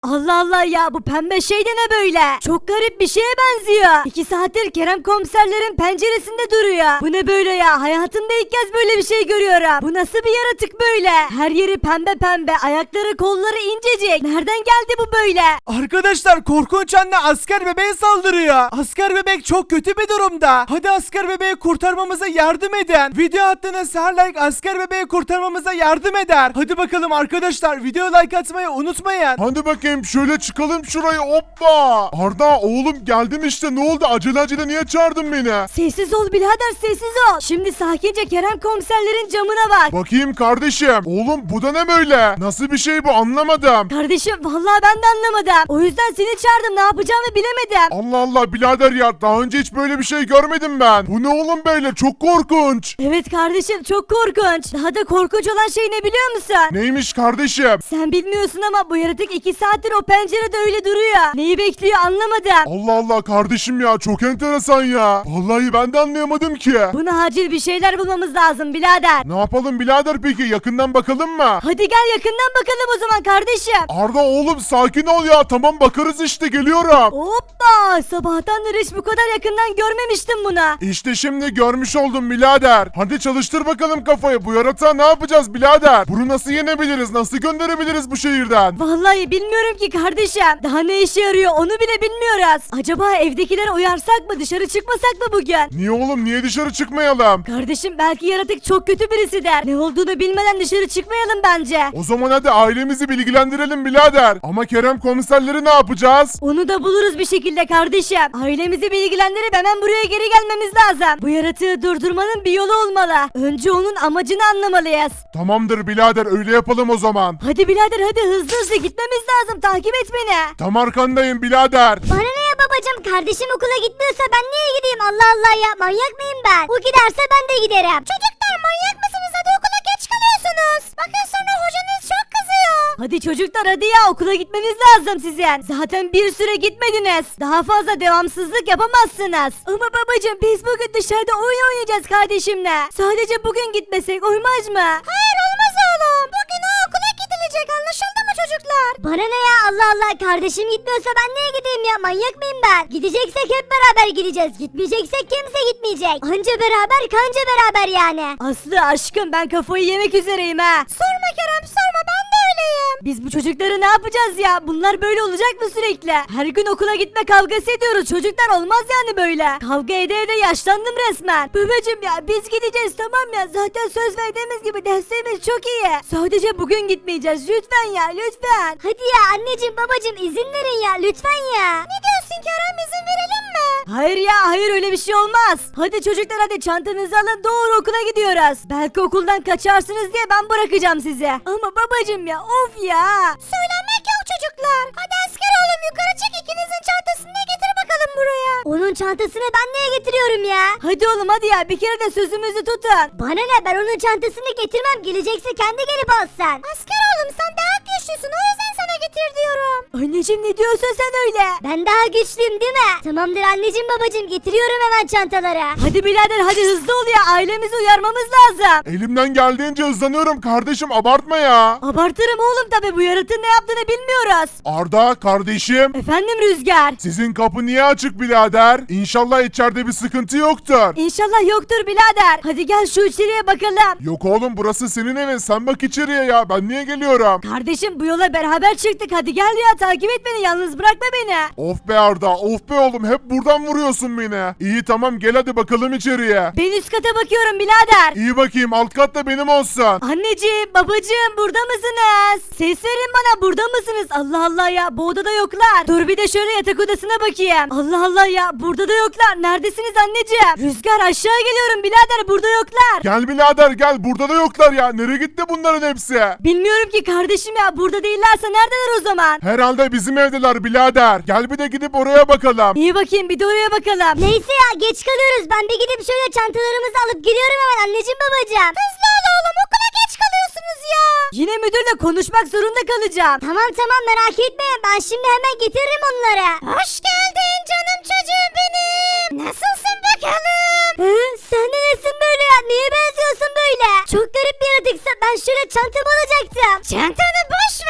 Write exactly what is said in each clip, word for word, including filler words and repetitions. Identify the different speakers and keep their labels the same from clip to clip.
Speaker 1: Allah Allah ya, bu pembe şey de ne böyle? Çok garip bir şeye benziyor. İki saattir Kerem komiserlerin penceresinde duruyor. Bu ne böyle ya? Hayatımda ilk kez böyle bir şey görüyorum. Bu nasıl bir yaratık böyle? Her yeri pembe pembe, ayakları kolları incecik. Nereden geldi bu böyle?
Speaker 2: Arkadaşlar korkunç anne asker bebeğe saldırıyor. Asker bebek çok kötü bir durumda. Hadi asker bebeği kurtarmamıza yardım edin. Video attığınız her like asker bebeği kurtarmamıza yardım eder. Hadi bakalım arkadaşlar, video like atmayı unutmayın.
Speaker 3: Hadi bakayım şöyle çıkalım şurayı, hoppa. Arda oğlum geldim işte, ne oldu, acele acele niye çağırdın beni?
Speaker 1: Sessiz ol birader, sessiz ol. Şimdi sakince Kerem komiserlerin camına bak.
Speaker 3: Bakayım kardeşim. Oğlum bu da ne böyle? Nasıl bir şey bu, anlamadım.
Speaker 1: Kardeşim vallahi ben de anlamadım. O yüzden seni çağırdım, ne yapacağımı bilemedim.
Speaker 3: Allah Allah birader ya, daha önce hiç böyle bir şey görmedim ben. Bu ne oğlum böyle, çok korkunç.
Speaker 1: Evet kardeşim, çok korkunç. Daha da korkunç olan şey ne biliyor musun?
Speaker 3: Neymiş kardeşim?
Speaker 1: Sen bilmiyorsun ama bu yaratık iki saattir o pencerede öyle duruyor. Neyi bekliyor anlamadım.
Speaker 3: Allah Allah kardeşim ya, çok enteresan ya. Vallahi ben de anlayamadım ki.
Speaker 1: Buna acil bir şeyler bulmamız lazım birader.
Speaker 3: Ne yapalım birader peki, yakından bakalım mı?
Speaker 1: Hadi gel yakından bakalım o zaman kardeşim.
Speaker 3: Arda oğlum sakin ol ya, tamam bakarız işte, geliyorum.
Speaker 1: Hoppa, sabahtandır hiç bu kadar yakından görmemiştim bunu.
Speaker 3: İşte şimdi görmüş oldum birader. Hadi çalıştır bakalım kafayı, bu yaratığa ne yapacağız birader? Bunu nasıl yenebiliriz, nasıl gönderebiliriz bu şehirden?
Speaker 1: Vallahi bilmiyorum ki kardeşim. Daha ne işe yarıyor onu bile bilmiyoruz. Acaba evdekileri uyarsak mı, dışarı çıkmasak mı bugün?
Speaker 3: Niye oğlum, niye dışarı çıkmayalım?
Speaker 1: Kardeşim belki yaratık çok kötü birisi der. Ne olduğunu bilmeden dışarı çıkmayalım bence.
Speaker 3: O zaman hadi ailemizi bilgilendirelim birader. Ama Kerem komiserleri ne yapacağız?
Speaker 1: Onu da buluruz bir şekilde kardeşim. Ailemizi bilgilendirip hemen buraya geri gelmemiz lazım. Bu yaratığı durdurmanın bir yolu olmalı. Önce onun amacını anlamalıyız.
Speaker 3: Tamamdır birader, öyle yapalım o zaman.
Speaker 1: Hadi birader hadi, hızlı hızlı gitmemiz lazım. Takip et beni.
Speaker 3: Tam arkandayım birader.
Speaker 4: Bana ne ya babacım, kardeşim okula gitmiyorsa ben niye gideyim, Allah Allah ya, manyak mıyım ben? O giderse ben de giderim. Çocuklar manyak mısınız, hadi okula geç kalıyorsunuz. Bakın sonra hocanız çok kızıyor.
Speaker 1: Hadi çocuklar hadi ya, okula gitmeniz lazım sizin. Zaten bir süre gitmediniz. Daha fazla devamsızlık yapamazsınız. Ama babacığım biz bugün dışarıda oyun oynayacağız kardeşimle. Sadece bugün gitmesek uymaz mı?
Speaker 4: Hayır olmaz oğlum, bugün o okula gidilecek, anlaşıldı mı çocuklar? Bana ne ya, Allah Allah, kardeşim gitmiyorsa ben niye gideyim ya, manyak mıyım ben? Gideceksek hep beraber gideceğiz, gitmeyeceksek kimse gitmeyecek. Anca beraber kanca beraber yani.
Speaker 1: Aslı aşkım ben kafayı yemek üzereyim ha.
Speaker 4: Sorma Kerem sorma, ben de öyleyim.
Speaker 1: Biz bu çocukları ne yapacağız ya? Bunlar böyle olacak mı sürekli? Her gün okula gitme kavgası ediyoruz. Çocuklar olmaz yani böyle. Kavga ede ede yaşlandım resmen. Babacım ya biz gideceğiz tamam ya. Zaten söz verdiğimiz gibi derslerimiz çok iyi. Sadece bugün gitmeyeceğiz. Lütfen ya lütfen.
Speaker 4: Hadi ya anneciğim babacığım, izin verin ya lütfen ya. Ne diyorsun Kerem, izin verelim mi?
Speaker 1: Hayır ya hayır, öyle bir şey olmaz. Hadi çocuklar hadi çantanızı alın, doğru okula gidiyoruz. Belki okuldan kaçarsınız diye ben bırakacağım sizi. Ama babacım ya of ya.
Speaker 4: Söylenmek yok çocuklar. Hadi asker oğlum yukarı çık, ikinizin çantasını da getir bakalım buraya. Onun çantasını ben niye getiriyorum ya?
Speaker 1: Hadi oğlum hadi ya, bir kere de sözümüzü tutun.
Speaker 4: Bana ne, ben onun çantasını getirmem, gelecekse kendi gelip alsın. Asker oğlum sen daha güçlüsün, o yüzden sana getir diyorum.
Speaker 1: Anneciğim ne diyorsun sen öyle?
Speaker 4: Ben daha güçlüyüm değil mi? Tamamdır anneciğim babacığım, getiriyorum hemen çantaları.
Speaker 1: Hadi birader hadi hızlı ol ya, ailemizi uyarmamız lazım.
Speaker 3: Elimden geldiğince hızlanıyorum kardeşim, abartma ya.
Speaker 1: Abartırım oğlum tabi, bu yaratığın ne yaptığını bilmiyoruz.
Speaker 3: Arda kardeşim,
Speaker 1: Efendim Rüzgar.
Speaker 3: sizin kapı niye açık birader? İnşallah içeride bir sıkıntı yoktur.
Speaker 1: İnşallah yoktur birader. Hadi gel şu içeriye bakalım.
Speaker 3: Yok oğlum, burası senin evin, sen bak içeriye ya, ben niye geliyorum?
Speaker 1: Kardeşim bu yola beraber çıktık, hadi gel ya, takip et beni, yalnız bırakma beni.
Speaker 3: Of be Arda, of be oğlum, hep buradan vuruyorsun beni. İyi tamam, gel hadi bakalım içeriye.
Speaker 1: Ben üst kata bakıyorum birader.
Speaker 3: İyi bakayım, alt kat da benim olsun.
Speaker 1: Anneciğim babacığım burada mısınız? Ses verin bana, burada mısınız? Allah Allah ya, bu odada yoklar. Dur bir de şöyle yatak odasına bakayım. Allah Allah ya, burada da yoklar. Neredesiniz anneciğim? Rüzgar aşağı geliyorum birader, burada yoklar.
Speaker 3: Gel birader gel, burada da yoklar ya, nereye gitti bunların hepsi?
Speaker 1: Bilmiyorum ki kardeşim ya, burada değillerse neredeler o zaman?
Speaker 3: Herhalde bizim evdeler birader. Gel bir de gidip oraya bakalım.
Speaker 1: İyi bakayım, bir de oraya bakalım.
Speaker 4: Neyse ya, geç kalıyoruz, ben bir gidip şöyle çantalarımızı alıp geliyorum hemen anneciğim babacığım. Hızlı ol oğlum, okula geç kalıyorsunuz ya.
Speaker 1: Yine müdürle konuşmak zorunda kalacağım.
Speaker 4: Tamam tamam merak etmeyin, ben şimdi hemen getiririm onları. Hoş geldin canım çocuğum benim. Nasılsın bakalım?
Speaker 1: Hı?
Speaker 4: Sen de nesin böyle ya, niye benziyorsun böyle? Çok garip bir yaratıksa, ben şöyle çantamı alacaktım. Çantanı boş ver anneciğim.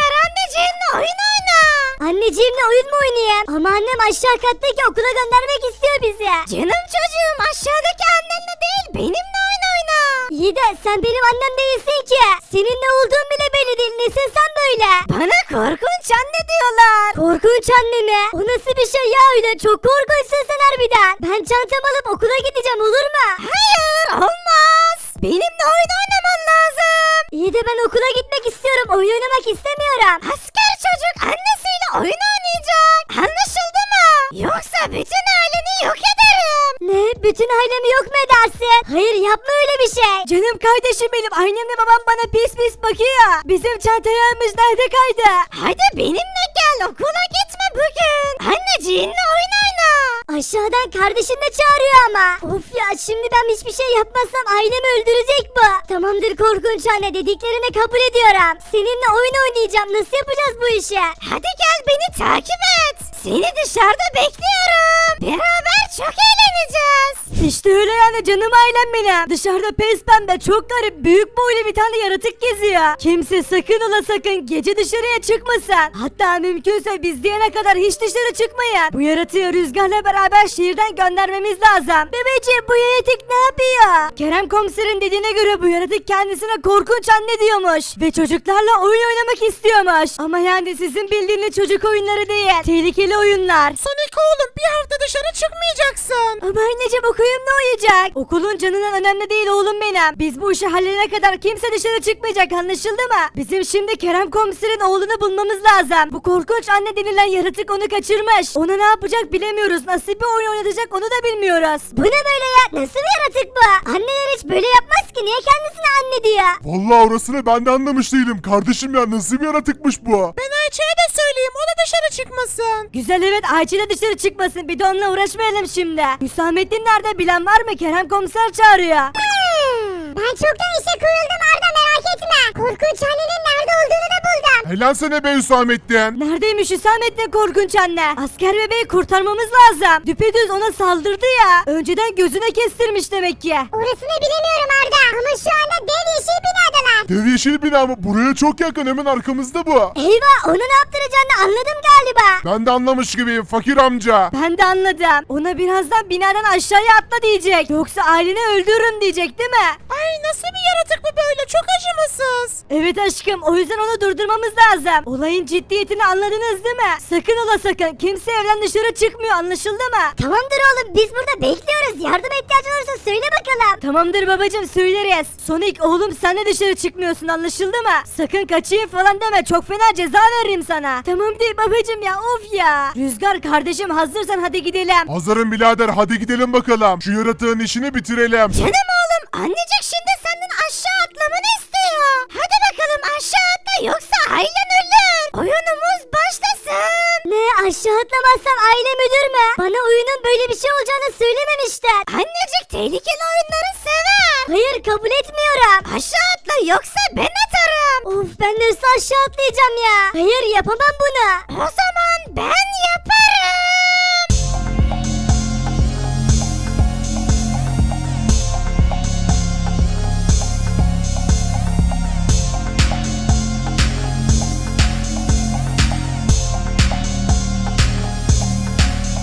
Speaker 4: anneciğimle oyun oyna. Anneciğimle oyun mu oynayayım? Ama annem aşağı kattaki okula göndermek istiyor bizi. Canım çocuğum aşağıdaki annenle değil benimle oyun oyna. İyi de sen benim annem değilsin ki. Senin ne olduğun bile belli değil. Nesin sen böyle? Bana korkunç anne diyorlar. Korkunç anne mi? O nasıl bir şey ya öyle? Çok korkunçsun sen harbiden. Ben çantamı alıp okula gideceğim olur mu? Hayır olmaz. Benimle oyun oynaman lazım. İyi de ben okula gitmek istiyorum. Oyun oynamak istemiyorum. Asker çocuk annesiyle oyun oynayacak. Anlaşıldı mı? Yoksa bütün aileni yok ederim. Ne? Bütün ailemi yok mu edersin? Hayır yapma öyle bir şey.
Speaker 1: Canım kardeşim benim, annemle babam bana pis pis bakıyor. Bizim çantalarımız nerede kaydı?
Speaker 4: Hadi benimle gel okula gitme bugün. Anneciğinle oyun oyna. Aşağıdan kardeşim de çağırıyor ama. Of ya şimdi ben hiçbir şey yapmazsam ailemi öldürecek bu. Tamamdır korkunç anne dediklerini kabul ediyorum. Seninle oyun oynayacağım nasıl yapacağız bu işi? Hadi gel beni takip et. Seni dışarıda bekliyorum. Beraber çok eğleneceğiz.
Speaker 1: İşte öyle yani canım ailem benim. Dışarıda pes pembe çok garip büyük boylu bir tane yaratık geziyor. Kimse sakın ola sakın gece dışarıya çıkmasın. Hatta mümkünse biz diyene kadar hiç dışarı çıkmayın. Bu yaratığı Rüzgar'la beraber şehirden göndermemiz lazım. Bebeciğim bu yaratık ne yapıyor? Kerem komiserin dediğine göre bu yaratık kendisine korkunç anne diyormuş. Ve çocuklarla oyun oynamak istiyormuş. Ama yani sizin bildiğiniz çocuk oyunları değil. Tehlikeli oyunlar.
Speaker 2: Sonic oğlum bir hafta dışarı çıkmayacaksın.
Speaker 1: Ama anneciğim okuyum ne uyuyacak? Okulun canından önemli değil oğlum benim. Biz bu işi halledene kadar kimse dışarı çıkmayacak anlaşıldı mı? Bizim şimdi Kerem komiserin oğlunu bulmamız lazım. Bu korkunç anne denilen yaratık onu kaçırmış. Ona ne yapacak bilemiyoruz. Nasıl bir oyun oynatacak onu da bilmiyoruz.
Speaker 4: Bu ne böyle ya? Nasıl bir yaratık bu? Anneler hiç böyle yapmaz ki. Niye kendisine anne diyor?
Speaker 3: Vallahi orasını ben de anlamış değilim. Kardeşim ya nasıl bir yaratıkmış bu?
Speaker 2: Ben Ayça'ya da söyleyeyim o da dışarı çıkmasın.
Speaker 1: Güzel evet Ayça da dışarı çıkmasın. Bir de onunla uğraşmayalım şimdi. Hüsamettin nerede bilen var mı? Kerem komiser çağırıyor.
Speaker 4: Ben çoktan işe koyuldum Arda merak etme. Korkunç annenin nerede olduğunu da buldum.
Speaker 3: Helal sana be Hüsamettin.
Speaker 1: Neredeymiş Hüsamettin korkunç anne? Asker bebeği kurtarmamız lazım. Düpedüz ona saldırdı ya. Önceden gözüne kestirmiş demek ki.
Speaker 4: Orasını bilemiyorum Arda. Ama şu anda dev yeşil binadalar.
Speaker 3: Dev yeşil bina mı? Buraya çok yakın hemen arkamızda bu.
Speaker 4: Eyvah onu ne yaptıracağını anladım galiba.
Speaker 3: Ben de anlamış gibiyim fakir amca.
Speaker 1: Ben de anladım. Ona birazdan binadan aşağıya atla diyecek. Yoksa aileni öldürürüm diyecek değil mi?
Speaker 2: Ay nasıl bir yaratık bu böyle çok acımasız.
Speaker 1: Evet aşkım o yüzden onu durdurmamız lazım. Olayın ciddiyetini anladınız değil mi? Sakın ola sakın. Kimse evden dışarı çıkmıyor anlaşıldı mı?
Speaker 4: Tamamdır oğlum biz burada bekliyoruz. Yardıma ihtiyacın olursa söyle bakalım.
Speaker 1: Tamamdır babacım söyleriz. Sonic oğlum sen de dışarı çıkmıyorsun anlaşıldı mı? Sakın kaçayım falan deme çok fena ceza veririm sana. Tamam değil babacım ya of ya. Rüzgar kardeşim hazırsan hadi gidelim.
Speaker 3: Hazırım birader hadi gidelim bakalım. Şu yaratığın işini bitirelim.
Speaker 4: Canım oğlum annecik şimdi senden aşağı atlamanı istiyor. Hadi bakalım aşağı atla yoksa ailen ölür. Oyunumuz başlasın. Ne aşağı atlamazsam ailem ölür mü? Bana oyunun böyle bir şey olacağını söylememişler. Annecik tehlikeli oyunları sever. Hayır kabul etmiyorum. Aşağı atla yoksa ben atarım. Of ben nasıl aşağı atlayacağım ya? Hayır yapamam bunu. O zaman ben yaparım.